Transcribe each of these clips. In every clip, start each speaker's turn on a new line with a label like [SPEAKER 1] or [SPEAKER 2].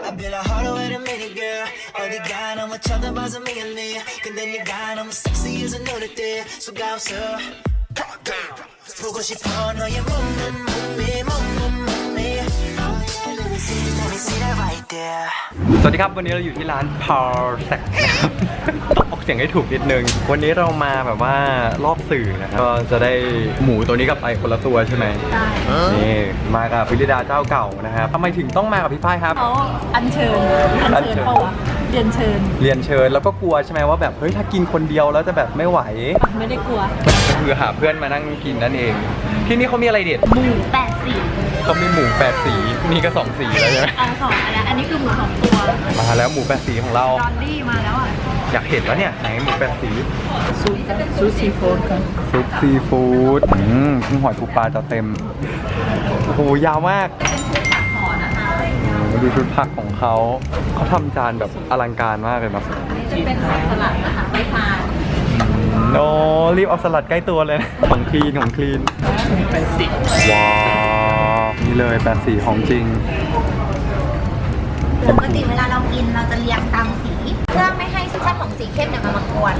[SPEAKER 1] I've been a harder way to meet a girl 어디가 너무 쳐다봐서 미안해 근데 네가 너무 sexy as I know that there So 가서 보고 싶어 너의 몸매 Let me see that right there
[SPEAKER 2] สวัสดีครับวันนี้เราอยู่ที่ร้าน Perfect ต้องออกเสียงให้ถูกนิดนึงวันนี้เรามาแบบว่ารอบสื่อนะครับก็จะได้หมูตัวนี้กับไอคนละตัวใช่ไหมใช่นี่มากับพิริดาเจ้าเก่านะครับทำไมถึงต้องมากับพี่ฝ้ายครับ
[SPEAKER 3] เขาอัญเชิญเปล่าวะเรียนเชิญ
[SPEAKER 2] แล้วก็กลัวใช่ไหมว่าแบบเฮ้ยถ้ากินคนเดียวแล้วจะแบบไม่ไหว
[SPEAKER 3] ไม่ได้กลัว
[SPEAKER 2] ก็คือหาเพื่อนมานั่งกินนั่นเองที่นี่เขามีอะไรเด็ด
[SPEAKER 3] หมู8 สี
[SPEAKER 2] เขามีหมู8 สีนี่ก็2 สีแล้วใช่ไหม
[SPEAKER 3] 2อันนี้คือหมู2 ตัว
[SPEAKER 2] มาแล้วหมู8 สีของเรา
[SPEAKER 3] ดอนดี้มาแล้วอ่ะ
[SPEAKER 2] อยากเห็นแล้วเนี่ยไหนหมู8 สี
[SPEAKER 3] ซุปซีฟู้ดครับ
[SPEAKER 2] ซุปซีฟู้ดกุ้งหอยปูปลาจะเต็มโอ้โหยาวมากดูชุดผักของเขาทำจานแบบอลังการมากเลยนะ
[SPEAKER 3] จะเป็นผักสลัดนะคะไปทาน
[SPEAKER 2] โอ้รีบเอาสลัดใกล้ตัวเลยของคลีน
[SPEAKER 3] เป็นสี
[SPEAKER 2] ว้าวนี่เลย8 สีของจริง
[SPEAKER 4] ปกติเวลาเรากินเราจะเรียงตามสีเพื่อไม่ให้ชั้นของสีเข้มเนี่ยมันมากวน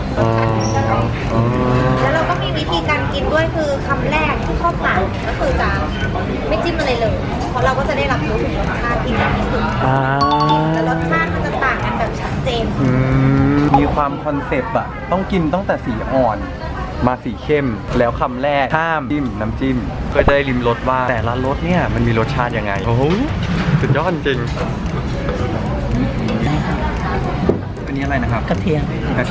[SPEAKER 4] แล้วเราก็มีวิธีการกินด้วยคือคำแรกที่เข้าปากก็คือจะไม่จิ้มอะไรเลยเพราะเราก็จะได้รับรู้ถึงรสชาติที่ดีที่สุดแล้วรสชาติมันจะต่างกันแบบชัดเจน
[SPEAKER 2] มีความคอนเซปต์อะต้องกินตั้งแต่สีอ่อนมาสีเข้มแล้วคำแรกห้ามจิ้มน้ำจิ้มเพื่อจะได้ริมรสว่าแต่ละรสเนี่ยมันมีรสชาติยังไงโอ้โหสุดยอดจริงอันนี้อะไรนะครับ
[SPEAKER 3] กระเทียม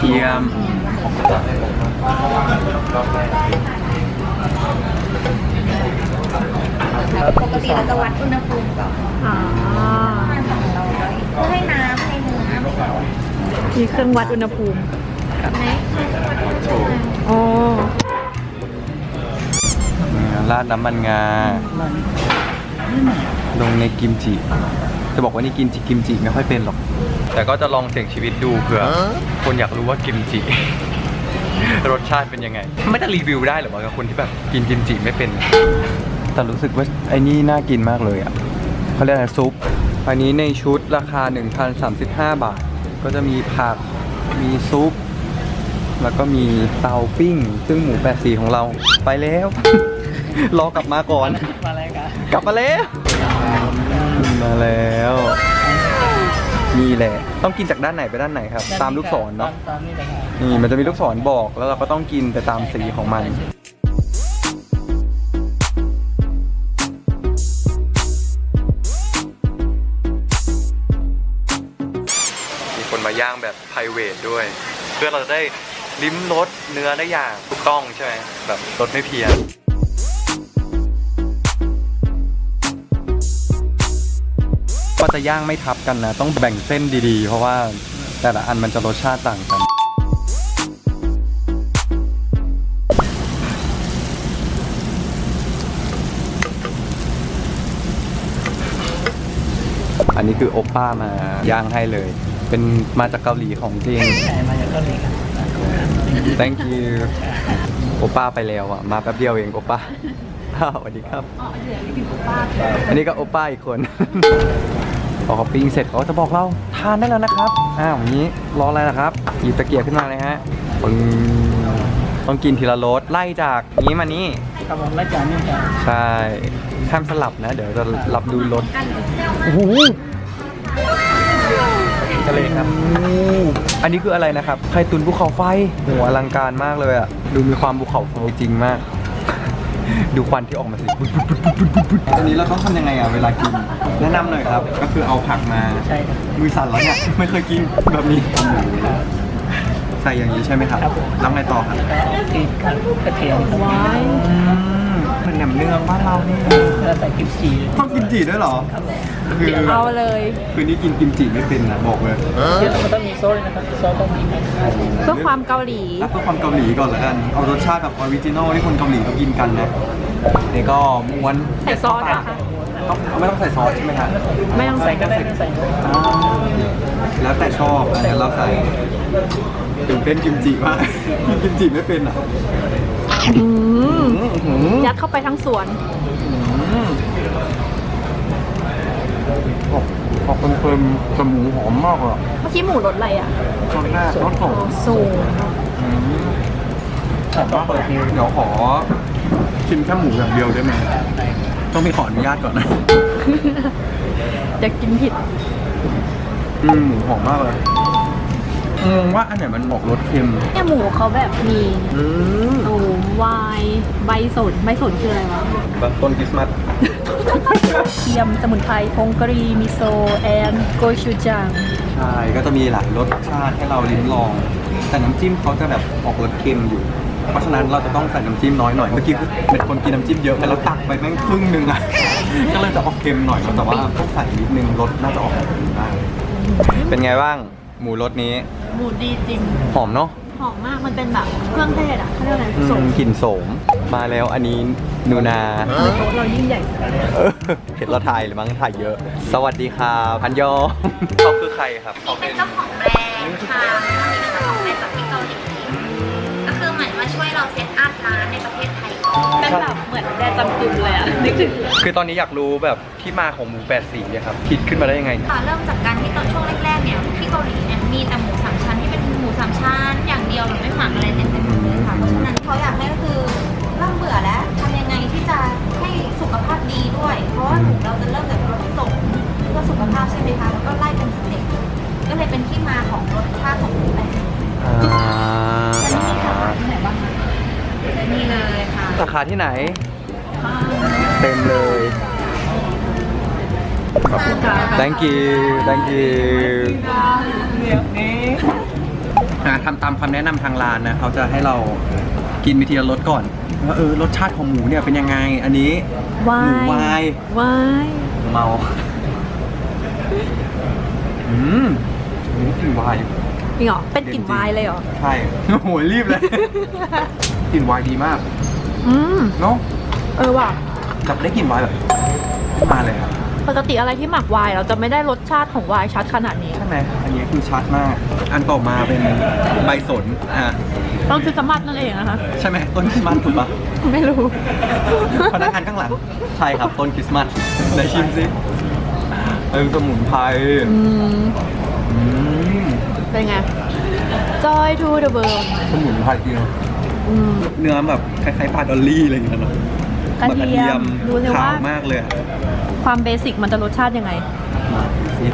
[SPEAKER 4] ปกติเราจะวัดอุณหภูมิก่อนเพื่อให้น้ำในเนื้อ
[SPEAKER 3] มีเครื่องวัดอุณหภูมิ
[SPEAKER 4] ไหม
[SPEAKER 3] อ๋อ
[SPEAKER 2] ราดน้ำมันงาลงในกิมจิจะบอกว่านี่กินกิมจิไม่ค่อยเป็นหรอกแต่ก็จะลองเสี่ยงชีวิตดูเผื่อคนอยากรู้ว่ากิมจิรสชาติเป็นยังไงไม่จะรีวิวได้หรือว่ากับคนที่แบบกินกิมจิไม่เป็นแต่รู้สึกว่าไอ้นี่น่ากินมากเลยอ่ะเขาเรียกอะไรซุปอันนี้ในชุดราคา 1,035 บาทก็จะมีผักมีซุปแล้วก็มีเตาปิ้งซึ่งหมู8 สีของเราไปแล้ว รอกลับมาก่อนกลับมาแล้วนี่แหละต้องกินจากด้านไหนไปด้านไหนครับตามลูกศรเนาะนี่มันจะมีลูกศรบอกแล้วเราก็ต้องกินไปตามสีของมันมีคนมาย่างแบบไพรเวทด้วยเพื่อเราจะได้ลิ้มรสเนื้อได้อย่างถูกต้องใช่ไหมแบบรสไม่เพี้ยนก็จะย่างไม่ทับกันนะต้องแบ่งเส้นดีๆเพราะว่าแต่ละอันมันจะรสชาติต่างกันอันนี้คือโอป้ามาย่างให้เลยเป็นมาจากเกาหลีของจริง
[SPEAKER 3] มาจากเกาหลีครับ
[SPEAKER 2] thank you โอป้าไปแล้วอ่ะมาแป๊บเดียวเองโอป้าสวัสดีครับอันนี้ก็โอป้าอีกคนพอเขาปิ้งเสร็จเขาจะบอกเราทานได้แล้วนะครับอย่างนี้รออะไรนะครับหยิบตะเกียบขึ้นมาเลยฮะต้องกินทีละรสไล่จากนี้มานี่
[SPEAKER 3] ครับผมไล่จากนี่จ้ะ
[SPEAKER 2] ใช่ห้ามสลับนะเดี๋ยวจะรับดูรสโอ้โหทะเลครับอันนี้คืออะไรนะครับไข่ตุ๋นภูเขาไฟโหอลังการมากเลยอ่ะดูมีความภูเขาไฟจริงมากดูควันที่ออกมาสิอันนี้เราต้องทำยังไงอ่ะเวลากินแนะนำหน่อยครับก็คือเอาผักมา
[SPEAKER 3] ใช่ครับ
[SPEAKER 2] มือสั่นแล้วเนี่ยไม่เคยกินแบบนี้ใส่อย่างนี้ใช่ไหมครับแล้วไงต่อครับ
[SPEAKER 3] กินกระเทียม
[SPEAKER 2] ว้ายมันแหนมเนืองบ้านเรานี่
[SPEAKER 3] แล้วใส่กิมจิ
[SPEAKER 2] ต้องกิมจิด้วยเหรอ
[SPEAKER 3] คือเอาเลย
[SPEAKER 2] คือนี่กินกิมจิไม่เป็นนะบอกเลย
[SPEAKER 3] เดี๋ยวมันต้องมีโซ่นะครับโซ่ต้องมีเพื่อความเกาหลี
[SPEAKER 2] เพื่อความเกาหลีก่อนแล้วกันเอารสชาติแบบออริจินอลที่คนเกาหลีเขากินกันนะนี่ก็ม้วน
[SPEAKER 3] ใส่ซอสอะคะ
[SPEAKER 2] ไม่ต้องใส่ซอสใช่ไหมครับ
[SPEAKER 3] ไม่ต้องใส่ก็ได้ไม่ใส่
[SPEAKER 2] แล้วแต่ชอบอันนี้เราใส่ตื่นเต้นกิมจิมากกิมจิไม่เป็นอ่ะ
[SPEAKER 3] ยัดเข้าไปทั้งสวน
[SPEAKER 2] ออกเค็มๆแต่หมูหอมมากอ่ะ
[SPEAKER 3] เมื่อกี้หมูรสอะไรอ่ะ
[SPEAKER 2] รสแรกรสของ
[SPEAKER 3] สูง
[SPEAKER 2] หอมมากเลยเดี๋ยวขอชิมแค่หมูอย่างเดียวได้ไหมต้องมีขออนุญาตก่อนนะ
[SPEAKER 3] จะกินผิด
[SPEAKER 2] หมูหอมมากเลยงงว่าอันไหนมันบอกรสเค็ม
[SPEAKER 3] เนี่ยหมูเขาแบบมีตูมวายใบสนคืออะไรวะ
[SPEAKER 2] แบบต้นคริสต์มาส
[SPEAKER 3] เทียมสมุนไพรพงกรีมิโซแอนโกชูจัง
[SPEAKER 2] ใช่ ก็จะมีหลายรสชาติให้เราลิ้มลอง แต่น้ำจิ้มเขาจะแบบออกรสเค็มอยู่ เพราะฉะนั้นเราจะต้องใส่น้ำจิ้มน้อยหน่อย เมื่อกี้เป็นคนกินน้ำจิ้มเยอะไปแล้วตักไปแม่งครึ่งนึงอ่ะ ก็เลยจะออกเค็มหน่อย แต่ว่าต้องใส่นิดนึงรสน่าจะออกแบบดีมากเป็นไงบ้าง หมูรสนี้
[SPEAKER 3] หมูดีจริง
[SPEAKER 2] หอมเนาะ
[SPEAKER 3] หอมมาก มันเป็นแบบเครื่องเทศอ่ะเขาเรียกอะไรสม
[SPEAKER 2] กลิ่นโสม มาแล้วอันนี้นูนา
[SPEAKER 3] โต๊ะเรายิ่งใหญ่
[SPEAKER 2] เห็นเราถ่ายหรือมั้งถ่ายเยอะ สวัสดีครับพันยองเขาคือใครครับเขา
[SPEAKER 4] เป็นเจ้าของแบรนด์ค่ะนี่เป็นเจ้าของแบรนด์จากที่เกาหลีก็คือเหมือนมาช่วยเราเซตอัพร้านในประเทศไทยก่อน
[SPEAKER 3] เป็นแบบเหมือนแบรนด์จำกึมเลยอ่ะนึกถึง
[SPEAKER 2] คือตอนนี้อยากรู้แบบที่มาของหมู8สีเนี่ยครับคิดขึ้นมาได้ยังไงเนี่ย
[SPEAKER 4] เริ่มจากการที่ตอนช่วงแรกๆเนี่ยที่เกาหลีเนี่ยมีแต่หมูสามชั้นที่เป็นหมูสามชั้นอย่างเดียวแบบไม่หมักอะไรเต็มๆเลยค่ะเพราะฉะนั้นเขาอยากให้ก็คือเริ่มเบื่อแล้วทำยังไงที่จะให้สุขภาพดีด้วย เพราะว่าหมูเราจะเริ่มจากรสส่งเพื่อสุขภาพใช่ไหมคะแล้วก็ไล่เป็นสเต็ปก็เลยเป็นที่มาของรสชาติของหมูแปดสี
[SPEAKER 3] แล้วนี่มีสาขาที่ไหนบ้างคะ
[SPEAKER 4] และนี่เลยค่ะ
[SPEAKER 2] สาขาที่ไหน เต็มเลย
[SPEAKER 3] ขอบคุณค่ะ
[SPEAKER 2] thank you thank you ทำตามคำแนะนำทางร้านนะเขาจะให้เรากินวิธีละรสก่อนว่ารสชาติของหมูเนี่ยเป็นยังไง อันนี้หมูวาย
[SPEAKER 3] วาย
[SPEAKER 2] เมากลิ่นวายอยู่
[SPEAKER 3] จริงเหรอ เป็นกลิ่นวายเลยเหรอ
[SPEAKER 2] ใช่ โอ้โหรีบเลย กลิ่นวายดีมาก เนาะ
[SPEAKER 3] ว่ะ
[SPEAKER 2] จับได้กลิ่นวายแบบมาเลยครับ
[SPEAKER 3] ปกติอะไรที่หมักวายเราจะไม่ได้รสชาติของวายชัดขนาดนี้
[SPEAKER 2] ใช่ไหมอันนี้คือชัดมาก อันต่อมาเป็นใบสน
[SPEAKER 3] ต้องคือสมัตนั่นเองนะคะ
[SPEAKER 2] ใช่ไหมต้นคริสต์มาสถูกปะ
[SPEAKER 3] ไม่รู้
[SPEAKER 2] พนักงานข้างหลังใช่ครับต้นคริสต์มาสไหนชิมสิสมุนไพร
[SPEAKER 3] เป็นไง Joy to the world
[SPEAKER 2] สมุนไพรจริงเนื้อแบบคล้ายๆปลาดอลลี่อะไรอย่างเงี้ยเนาะ
[SPEAKER 3] กระเทียมดูสิ
[SPEAKER 2] ขา
[SPEAKER 3] ว่า
[SPEAKER 2] วมากเลยอะ
[SPEAKER 3] ความเบสิกมันจะรสชาติยังไง
[SPEAKER 2] มาสิ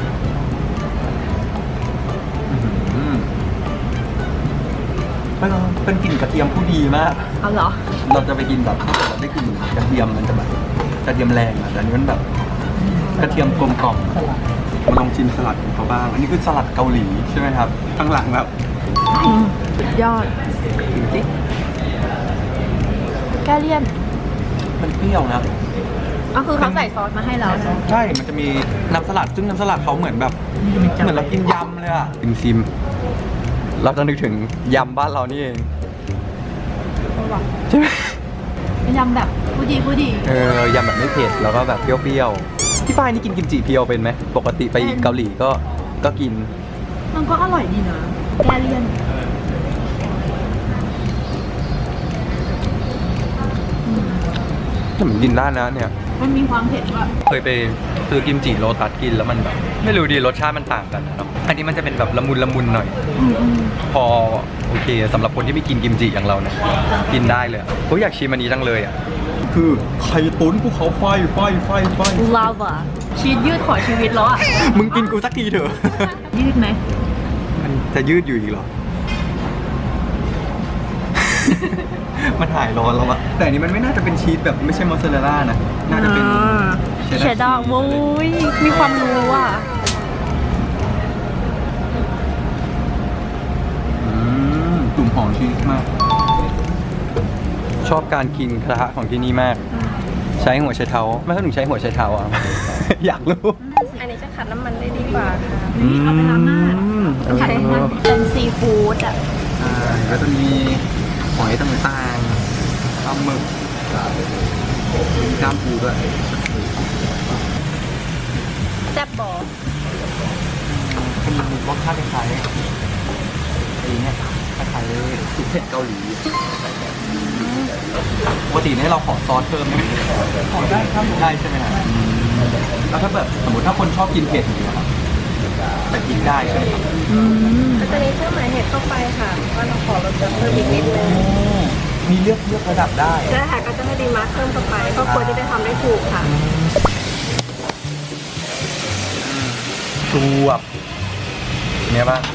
[SPEAKER 2] เป็นกลิ่นกระเทียมผู้ดีมาก
[SPEAKER 3] เอาเหรอ
[SPEAKER 2] เราจะไปกินแบบถ้าเกิดเราได้กลิ่นกระเทียมมันจะแบบกระเทียมแรงอะแต่อันนี้มันแบบกระเทียมกลมกล่อมมาลองชิมสลัดของเขาบ้าง อันนี้คือสลัดเกาหลีใช่ไหมครับ ข้างหลังแบบ
[SPEAKER 3] สุดยอด
[SPEAKER 2] ดูสิ
[SPEAKER 3] แกเลี่ยน
[SPEAKER 2] มันเปรี้ยวนะ
[SPEAKER 3] ก็คือเขาใส่ซอสมาให้เรา
[SPEAKER 2] ใช่ มันจะมีน้ำสลัด ซึ่งน้ำสลัดเขาเหมือนแบบ เหมือนเรากินยำเลยอะชิมเราจะนึกถึงยำบ้านเรานี่เองใช่ไหม
[SPEAKER 3] เป็นยำแบบผู้ดี
[SPEAKER 2] ยำแบบไม่เผ็ดแล้วก็แบบเปรี้ยวๆที่ป้ายนี่กินกิมจิเพียวเป็นไหมปกติไปเกาหลีก็กิน
[SPEAKER 3] มันก็อร่อยดีนะแกเลี่ยน
[SPEAKER 2] เหมือนกินได้นะเนี่ย
[SPEAKER 3] มันมีความเผ็ดด้วย
[SPEAKER 2] เคยไปซื้อกิมจิโลตัสกินแล้วมันแบบไม่รู้ดีรสชาติมันต่างกันนะเนาะอันนี้มันจะเป็นแบบละมุนหน่อย พอโอเคสำหรับคนที่ไม่กินกิมจิอย่างเราเนี่ยกินได้เลยผมอยากชิมอันนี้จังเลยอ่ะคือไข่ตุ๋นภูเขาไฟ
[SPEAKER 3] ลาวาชีสยืดขอชีวิตแล้วอ่ะ
[SPEAKER 2] มึงกินกูสักทีเถอะ
[SPEAKER 3] ยืดไหม
[SPEAKER 2] มันจะยืดอยู่อีกเหรอ มันหายร้อนแล้วอะแต่อันนี้มันไม่น่าจะเป็นชีสแบบไม่ใช่มอสซาเรลล่านะ น่าจะเป็นเช
[SPEAKER 3] เชดดาร์โว้ยมีความรู้อ่ะ
[SPEAKER 2] ตุ่มหอมชีสมาก ชอบการกินกระทะของที่นี่มาก ใช้หัวไชเท้าไม่ต้องถึงใช้หัวไชเท้าอ่ะ อยากรู้
[SPEAKER 4] อันนี้จะขัดน้ำมันได้ดีกว่าค่ะ
[SPEAKER 3] นี่เอาไปล้างหน้าขัดมันเป็นซีฟู้ดอ่ะ
[SPEAKER 2] ก็จะมีหอยต่างๆปลาหมึกมีกล้ามปูด้วย
[SPEAKER 3] แซ่บบอ
[SPEAKER 2] เป็นรสชาติคล้ายๆไอ้เนี่ยคล้ายๆซุปเผ็ดเกาหลีปกติเนี่ยเราขอซอสเพิ่มไหมขอได้ครับได้ใช่ไหมครับแล้วถ้าแบบสมมติถ้าคนชอบกินเผ็ดอย่างเงี้ยครับแต่กินได้ใช่ไหมครับ
[SPEAKER 5] ก็จะมีเครื่องหมายเหตุเข้าไปค่ะว่าเราขอลดจำเพิ่มอีกนิดนึง
[SPEAKER 2] มีเลือกระดับได้
[SPEAKER 5] ใช่ค่ะก็จะให้ดีมาร์คเพิ่มเข้าไปครอบครัวจะได้ทำได้ถูกค่ะ
[SPEAKER 2] สวบเนี่ยบ้าง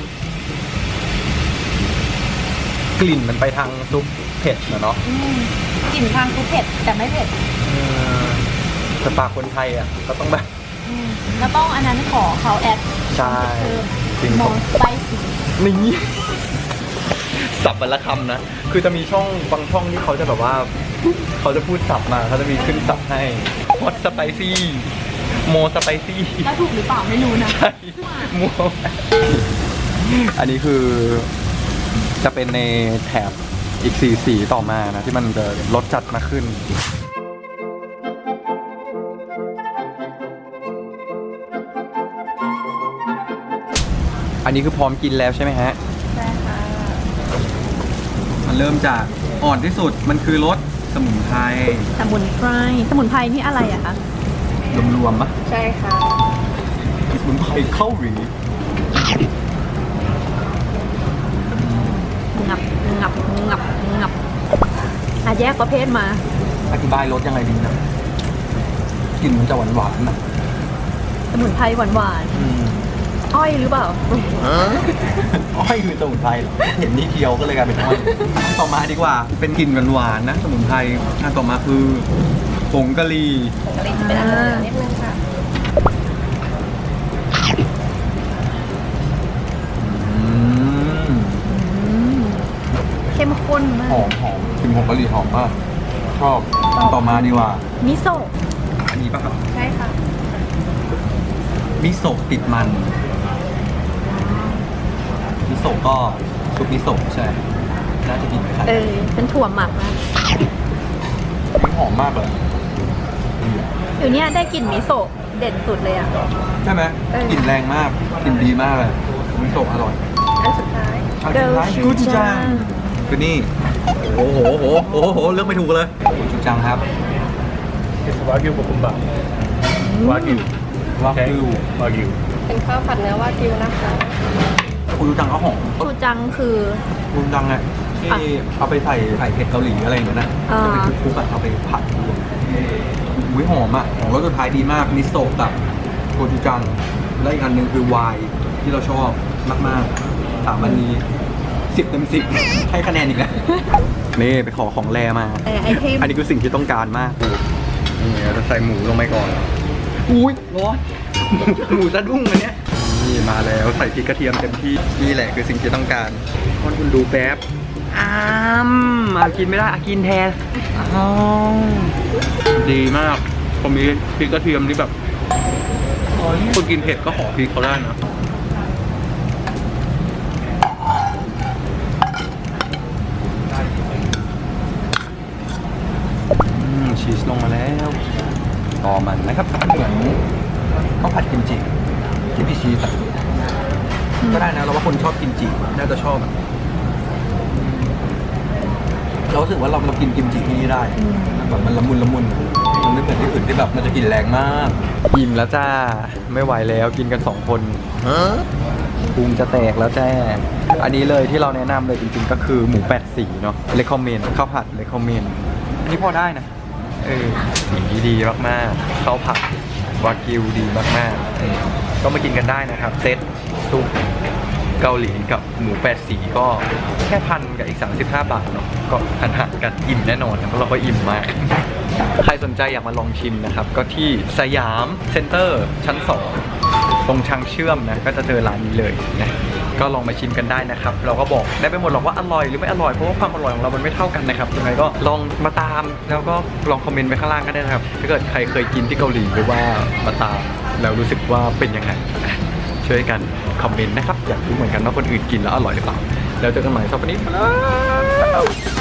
[SPEAKER 2] กลิ่นมันไปทางซุปเผ็ดนะเนาะ
[SPEAKER 3] กลิ่นทางคือเผ็ดแต่ไม่เผ็ด
[SPEAKER 2] แต่ปากคนไทยอ่ะก็ต้องแบบ
[SPEAKER 3] แล้วต้องอันนั้นขอเขาแอด
[SPEAKER 2] ใช่จริง
[SPEAKER 3] ม
[SPEAKER 2] ผ
[SPEAKER 3] อ
[SPEAKER 2] ม
[SPEAKER 3] สไปซี่
[SPEAKER 2] นี่สับวันละคำนะ คือจะมีช่องบางช่องที่เขาจะแบบว่า เขาจะพูดสับมาเขาจะมีขึ้นสับให้ฮอตสไปซี่โมสไปซี่
[SPEAKER 3] แล้วถูกหรือเปล่าไม่รู้นะ
[SPEAKER 2] ใช่มัวอันนี้คือจะเป็นในแถบอีกสีต่อมานะ ที่มันจะลดจัดมาขึ้น อันนี้คือพร้อมกินแล้วใช่ไหมฮะ
[SPEAKER 5] ใช่ค่ะ
[SPEAKER 2] มันเริ่มจากอ่อนที่สุดมันคือรสสมุนไพร
[SPEAKER 3] สมุนไพรสมุนไพรนี่อะไรอะคะ
[SPEAKER 2] รวมๆปะ
[SPEAKER 5] ใช่ค่ะ
[SPEAKER 2] สมุนไพรเกาหลี
[SPEAKER 3] งับงับงับงับอ่ะแยกประเภทมา
[SPEAKER 2] อธิบายรสยังไงดีนะกลิ่นมันจะหวานๆนะ
[SPEAKER 3] สมุนไพรหวานๆอ้อยหรือเปล่า
[SPEAKER 2] อ้อยคือสมุนไพรเหรอเห็นนี่เคี้ยวก็เลยกลายเป็นอ้อยอันต่อมาดีกว่า เป็นกลิ่นหวานๆนะ สมุนไพรอันต่อมาคือผงกะหรี่
[SPEAKER 5] เป็นอาหารนิดนึงค่ะ
[SPEAKER 3] เข้มข้นมา
[SPEAKER 2] หอก มกลิ่นผงกะหรี่หอมมากชอบอันต่อมาดีกว่า
[SPEAKER 3] มิโซะ
[SPEAKER 2] อันนี้ป่ะครับ
[SPEAKER 5] ใช่ค่ะ
[SPEAKER 2] มิโซะติดมันมิโซะก็ซุปมิโซะใช่ไหมน่าจะกินคล้าย
[SPEAKER 3] เป็นถั่วหมักนะ
[SPEAKER 2] มันหอมมากเลย
[SPEAKER 3] เดี๋ยวนี้ได้กลิ่นมิโซะเด่นสุดเลยอะ
[SPEAKER 2] ใช่ไหมกลิ่นแรงมากกลิ่นดีมากเลยมิโซะอร่อย
[SPEAKER 5] อันสุดท้าย
[SPEAKER 2] อันสุดท้ายกูจูจังคือนี่โอ้โหเลือกไม่ถูกเลยกูจูจังครับ
[SPEAKER 6] It's Wagyu Bokumba. Wagyu.
[SPEAKER 2] วากิว
[SPEAKER 6] Wagyu.
[SPEAKER 5] เป็นข้าวผัดเนื้อวากิวนะคะ
[SPEAKER 2] กูจูจังก็หอม
[SPEAKER 3] ชูจังคือ
[SPEAKER 2] กูจูจังอะที่เอาไปใส่ไข่เผ็ดเกาหลีอะไรอย่างเงี้ยนะ
[SPEAKER 3] อ่า
[SPEAKER 2] จะเป็นคลุกๆอะเอาไปผัดรวมอุ้ยหอมอะของรสสุดท้ายดีมากมิโซะกับโกจูจังและอีกอันหนึ่งคือไวน์ที่เราชอบมากๆถามอันนี้10 เต็ม 10 ให้คะแนนอีกแล้ว นี่ไปขอของแรมา
[SPEAKER 3] ไอเทม
[SPEAKER 2] อันนี้คือสิ่งที่ต้องการมากนี่เราจะใส่หมูลงไปก่อน อุ้ยร้อน หมูสะดุ้งอันเนี้ย นี่มาแล้วใส่พริกกระเทียมเต็มที่ นี่แหละคือสิ่งที่ต้องการคนคุณดูแป๊บกินไม่ได้กินแทนดีมากผมมีพริกกระเทียมนี่แบบคนกินเผ็ดก็ขอพริกเขาได้นะ ชีสลงมาแล้วต่อมันนะครับเหมือนข้าวผัดกิมจิที่พี่ชีสอะก็ได้นะเราว่าคนชอบกิมจิน่าจะชอบอะเรารู้สึกว่าเรากินกิมจิที่นี่ได้แบบมันละมุนมันไม่เหมือนที่อื่นที่แบบมันจะกินแรงมากอิ่มแล้วจ้าไม่ไหวแล้วกินกัน2 คนพุงจะแตกแล้วแจ้อันนี้เลยที่เราแนะนำเลยจริงๆก็คือหมู8 สีเนาะเลคคอมเมนข้าวผัดเลคคอมเมนอันนี้พอได้นะอย่างนี้ดีมากๆข้าวผัดวากิวดีมากๆก็มากินกันได้นะครับเซตซุปเกาหลีกับหมู8 สีก็แค่1,000กับอีก35 บาทเนาะก็หันกันอิ่มแน่นอนนะเพราะเราก็อิ่มมาก ใครสนใจอยากมาลองชิมนะครับก็ที่สยามเซ็นเตอร์ชั้น 2ตรงทางเชื่อมนะก็จะเจอร้านนี้เลยนะก็ลองมาชิมกันได้นะครับเราก็บอกได้ไม่หมดหรอกว่าอร่อยหรือไม่อร่อยเพราะว่าความอร่อยของเรามันไม่เท่ากันนะครับยังไงก็ลองมาตามแล้วก็ลองคอมเมนต์ไว้ข้างล่างก็ได้นะครับถ้าเกิดใครเคยกินที่เกาหลีหรือว่ามาตามแล้วรู้สึกว่าเป็นยังไงช่วยกันคอมเมนต์นะครับอยากรู้เหมือนกันว่าคนอื่นกินแล้วอร่อยหรือเปล่าแล้วเจอกันใหม่สัปดาห์นี้มาแล้ว